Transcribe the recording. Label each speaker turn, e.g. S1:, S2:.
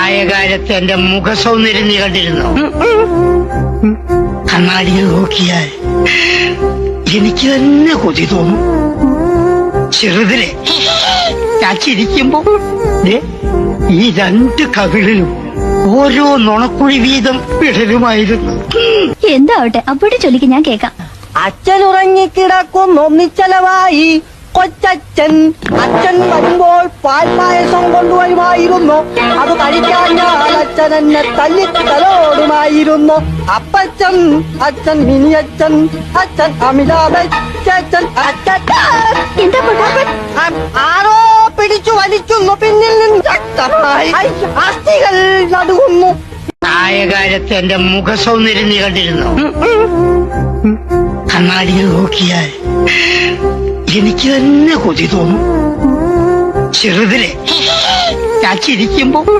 S1: പ്രായകാലത്ത് എന്റെ മുഖസൗന്ദര്യം നീ കണ്ടിരുന്നു. കണ്ണാടിയിൽ നോക്കിയാൽ എനിക്ക് തന്നെ കൊതി തോന്നും. ചെറുതിലെ ഞാൻ ചിരിക്കുമ്പോ ഈ രണ്ട് കവിളിലും ഓരോ നുണക്കുഴി വീതം വിടലുമായിരുന്നു.
S2: എന്താവട്ടെ അപ്പോഴേ ചൊല്ലിക്ക്, ഞാൻ കേക്കാം.
S3: അച്ഛൻ ഉറങ്ങിക്കിടക്കുന്നു നിശ്ചലമായി കൊച്ചച്ഛൻ. അച്ഛൻ വരുമ്പോൾ പാൽപ്പായസം കൊണ്ടുവരുമായിരുന്നു. അത് കഴിക്കാൻ ഞാൻ അച്ഛൻ എന്നെ തല്ലിത്തലോടുമായിരുന്നു. അപ്പച്ചൻ, അച്ഛൻ മിനിയച്ഛൻ, അച്ഛൻ അമിതാഭച്ചൻ.
S2: എന്താ പൊട്ടാ?
S3: ആരോ പിടിച്ചു വലിക്കുന്നു, പിന്നിൽ നിന്ന് ശക്തമായി അസ്ഥികൾ നടുങ്ങുന്നു.
S1: പ്രായകാലത്ത് എന്റെ മുഖസൗന്ദര്യം നീ കണ്ടിരുന്നു. കണ്ണാടിയിൽ നോക്കിയാൽ എനിക്ക് തന്നെ കൊതി തോന്നും. ചെറുതിലെ ഞാൻ ചിരിക്കുമ്പോ